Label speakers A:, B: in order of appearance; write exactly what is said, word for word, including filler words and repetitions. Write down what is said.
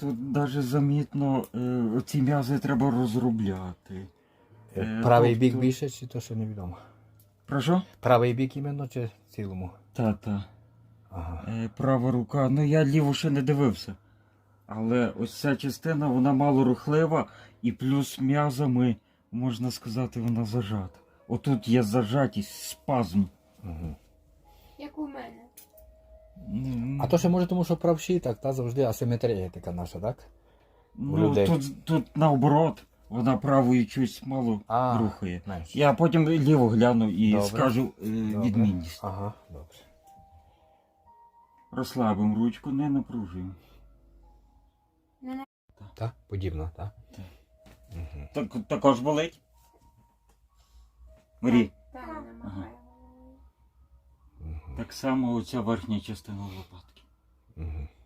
A: тут навіть замітно, е, ці м'язи треба розробляти. Е,
B: Правий
A: тобто-
B: бік більше, чи то ще невідомо?
A: Про що?
B: Правий бік іменно, чи в цілому?
A: Та-та.
B: Ага.
A: Е, права рука. Ну я ліву ще не дивився. Але ось ця частина, вона мало рухлива, і плюс м'язами, можна сказати, вона зажата. Отут є зажатість, спазм.
B: Угу.
C: Як у мене.
A: М,
B: А то ще може тому, що правші, так, та завжди асиметрія така наша, так?
A: ну,
B: людей.
A: тут, тут наоборот, вона правою щось мало
B: А,
A: рухає.
B: знаєш.
A: Я потім ліво гляну і
B: Добре.
A: скажу е,
B: Добре.
A: відмінність.
B: Ага, добре.
A: Розслабимо ручку, не напружуємо.
B: Так, подібно, так?
A: Так.
B: Угу.
A: Так, також болить? Марі,
C: Так, намагаю.
B: Угу.
A: так само оця верхня частина лопатки.
B: Угу.